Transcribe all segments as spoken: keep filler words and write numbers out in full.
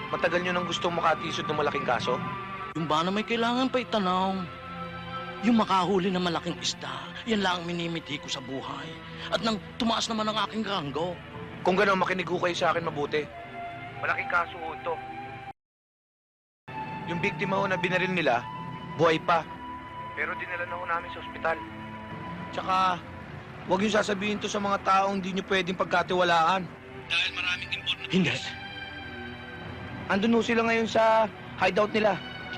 Matagal nyo nang gustong makatisod ng malaking kaso? Yung ba na may kailangan pa itanaw? Yung makahuli ng malaking isda, yan lang ang minimiti ko sa buhay. At nang tumaas naman ang aking ranggo. Kung gano'n, makinig ho kayo sa akin mabuti. Malaking kaso ho ito. Yung biktima ho na binaril nila, buhay pa. Pero dinala na ho namin sa ospital. Tsaka, huwag yung sasabihin to sa mga taong hindi nyo pwedeng pagkatiwalaan. Dahil maraming information. Hindi. Andun ho sila ngayon sa hideout nila.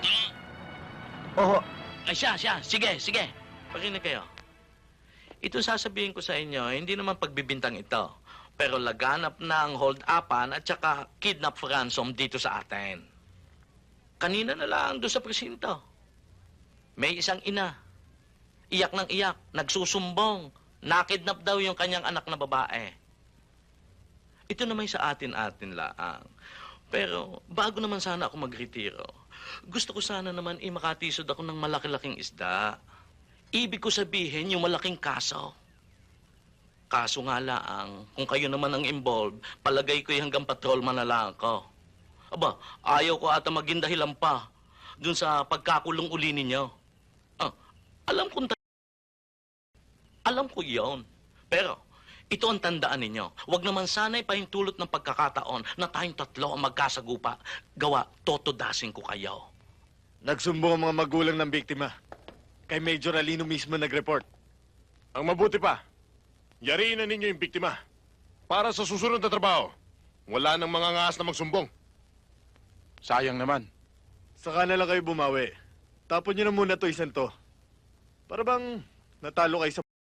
Oho. Ay siya, siya. Sige, sige. Pakinig kayo. Ito sasabihin ko sa inyo, hindi naman pagbibintang ito. Pero laganap na ang hold-upan at saka kidnap for ransom dito sa atin. Kanina na lang doon sa presinto. May isang ina. Iyak ng iyak. Nagsusumbong. Nakidnap daw yung kanyang anak na babae. Ito naman sa atin-atin laang. Pero bago naman sana ako magretiro, gusto ko sana naman i-makatisod ako ng malaki-laking isda. Ibig ko sabihin yung malaking kaso. Kaso nga laang, kung kayo naman ang involved, palagay ko hanggang patrolman na lang ako. Aba, ayaw ko ata maging dahilan pa dun sa pagkakulong uli ninyo. Ah, alam kong alam ko yon. Pero, ito ang tandaan ninyo. Huwag naman sana'y pahintulot ng pagkakataon na tayong tatlo ang magkasagupa. Gawa, totodasin ko kayo. Nagsumbong ang mga magulang ng biktima. Kay Major Alino mismo nag-report. Ang mabuti pa, yariin na ninyo yung biktima. Para sa susunod na trabaho, wala nang mga ngaas na magsumbong. Sayang naman. Saka na lang kayo bumawi. Tapon nyo na muna to isang to. Para bang natalo kayo sa...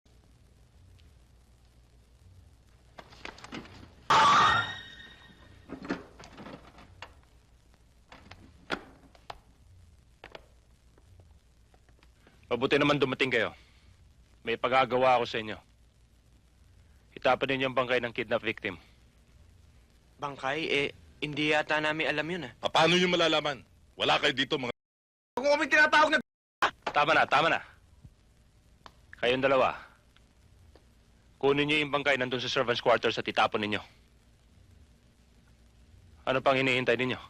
Mabuti naman dumating kayo. May pagagawa ako sa inyo. Itapan ninyo ang bangkay ng kidnap victim. Bangkay? Eh, hindi yata namin alam yun, ah. Paano nyo malalaman? Wala kayo dito mga... Kung kami tinatawag na... Tama na, tama na. Kayong dalawa. Kunin niyo yung bangkay nandun sa servants' quarters at itapon ninyo. Ano pang hinihintay ninyo?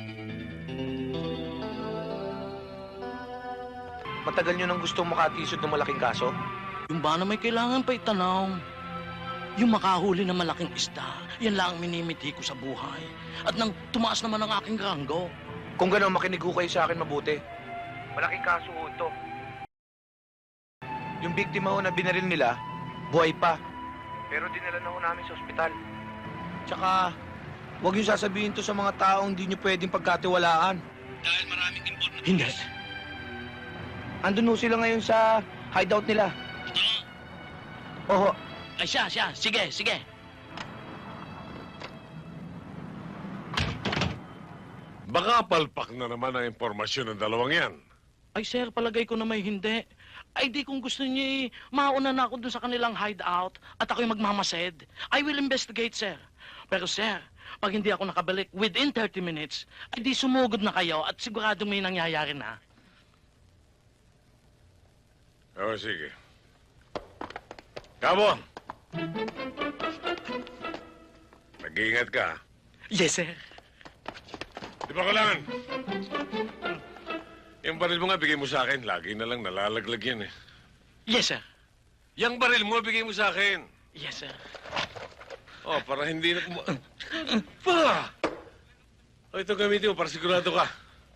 Matagal nyo nang gustong makatisod ng malaking kaso? Yung ba na may kailangan pa itanaw? Yung makahuli ng malaking isda, yan lang ang minimiti ko sa buhay. At nang tumaas naman ang aking ranggo. Kung gano'n, makinig ho kayo sa akin mabuti. Malaking kaso ho ito. Yung biktima ho na binaril nila, buhay pa. Pero dinala na ho namin sa ospital. Tsaka, huwag yung sasabihin to sa mga taong hindi nyo pwedeng pagkatiwalaan. Dahil maraming information. Hindi. Andun ho sila ngayon sa hideout nila. Oho. Ay siya, siya. Sige, sige. Baka palpak na naman ang impormasyon ng dalawang yan. Ay sir, palagay ko na may hindi. Ay di kung gusto niyo, eh, mauna na ako dun sa kanilang hideout at ako'y magmamasid. I will investigate, sir. Pero sir, pag hindi ako nakabalik within thirty minutes, ay di sumugod na kayo at siguradong may nangyayari na. Oo, sige. Kamo! Nag-iingat ka, ha? Yes, sir. Di ba kailangan? Yung baril mo nga, bigay mo sa akin. Lagi na lang nalalaglag yan, eh. Yes, sir. Yung baril mo, bigay mo sa akin. Yes, sir. Oh, para hindi na... kuma- Pa! O, ito gamitin mo para sigurado ka.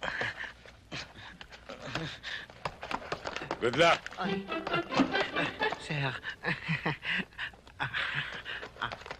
Good luck. Sir.